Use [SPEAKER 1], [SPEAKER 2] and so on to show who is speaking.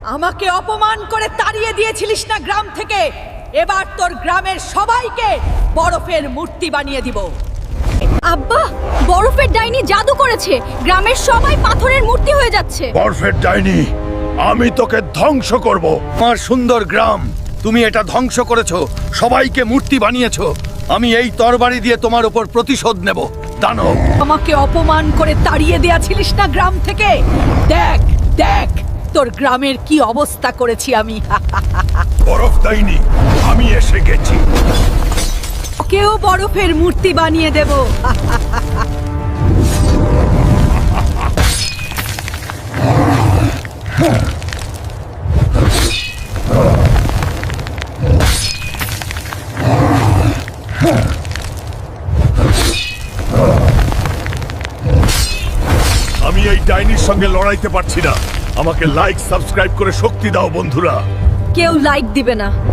[SPEAKER 1] আমাকে অপমান করে তাড়িয়ে দিয়েছিলিস না গ্রাম থেকে। এবার তোর গ্রামের সবাইকে বরফের মূর্তি বানিয়ে দিব।
[SPEAKER 2] আব্বা, বরফের ডাইনি জাদু করেছে, গ্রামের সবাই পাথরের মূর্তি হয়ে যাচ্ছে।
[SPEAKER 3] বরফের ডাইনি, আমি তোকে ধ্বংস করব। আমার সুন্দর গ্রাম তুমি এটা ধ্বংস করেছো, সবাইকে মূর্তি বানিয়েছো। আমি এই তরবারি দিয়ে তোমার উপর প্রতিশোধ নেব। দানব,
[SPEAKER 1] আমাকে অপমান করে তাড়িয়ে দিয়েছিলিস না গ্রাম থেকে। দেখ দেখ তোর গ্রামের কি অবস্থা করেছি আমি।
[SPEAKER 3] বরফ ডাইনি, আমি এসে গেছি।
[SPEAKER 1] কেউ বরফের মূর্তি বানিয়ে দেব।
[SPEAKER 3] আমি এই ডাইনির সঙ্গে লড়াইতে পারছি না। আমাকে লাইক সাবস্ক্রাইব করে শক্তি দাও বন্ধুরা।
[SPEAKER 2] কেউ লাইক দিবে না।